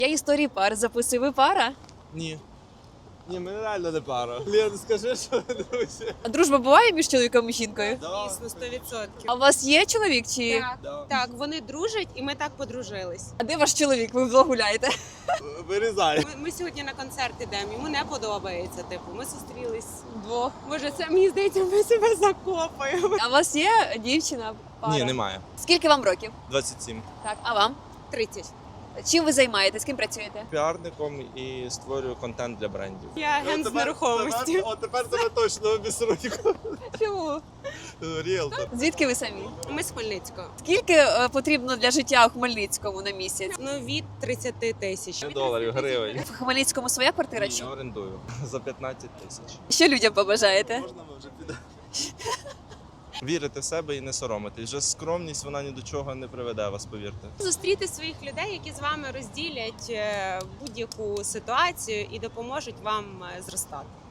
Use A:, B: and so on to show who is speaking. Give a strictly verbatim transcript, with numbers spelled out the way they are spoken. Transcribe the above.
A: Я історії пар записую. Ви пара?
B: Ні. Ні, ми реально не пара. Лен, скажи, що ви друзі.
A: А дружба буває між чоловіком і жінкою?
C: Дійсно, сто відсотків.
A: А у вас є чоловік чи?
C: Так,
B: Да.
C: так, вони дружать і ми так подружились.
A: А де ваш чоловік? Ви вдвох гуляєте?
B: Вирізай.
C: Ми, ми сьогодні на концерт ідемо, йому не подобається. Типу, ми зустрілись.
A: Вдвох.
C: Боже, це мені здається, ми себе закопаємо.
A: А у вас є дівчина? Пара?
B: Ні, немає.
A: Скільки вам років?
B: двадцять сім.
A: Так, а вам?
C: тридцять.
A: Чим ви займаєтесь? Ким працюєте?
B: Піарником і створюю контент для брендів.
C: Я агент з нерухомості.
B: О, тепер тебе точно обісруть.
A: Чому?
B: Ріелтор.
A: Звідки ви самі?
C: Ми з Хмельницького.
A: Скільки е, потрібно для життя у Хмельницькому на місяць?
C: Ну, від тридцяти тисяч.
B: Не доларів, гривень.
A: В Хмельницькому своя квартира?
B: Ні,
A: Чи?
B: я орендую. За п'ятнадцять тисяч.
A: Що людям побажаєте?
B: Можна ми вже підемо? Вірити в себе і не соромитись. Вже скромність, вона ні до чого не приведе вас, повірте.
C: Зустріти своїх людей, які з вами розділять е, будь-яку ситуацію і допоможуть вам е, зростати.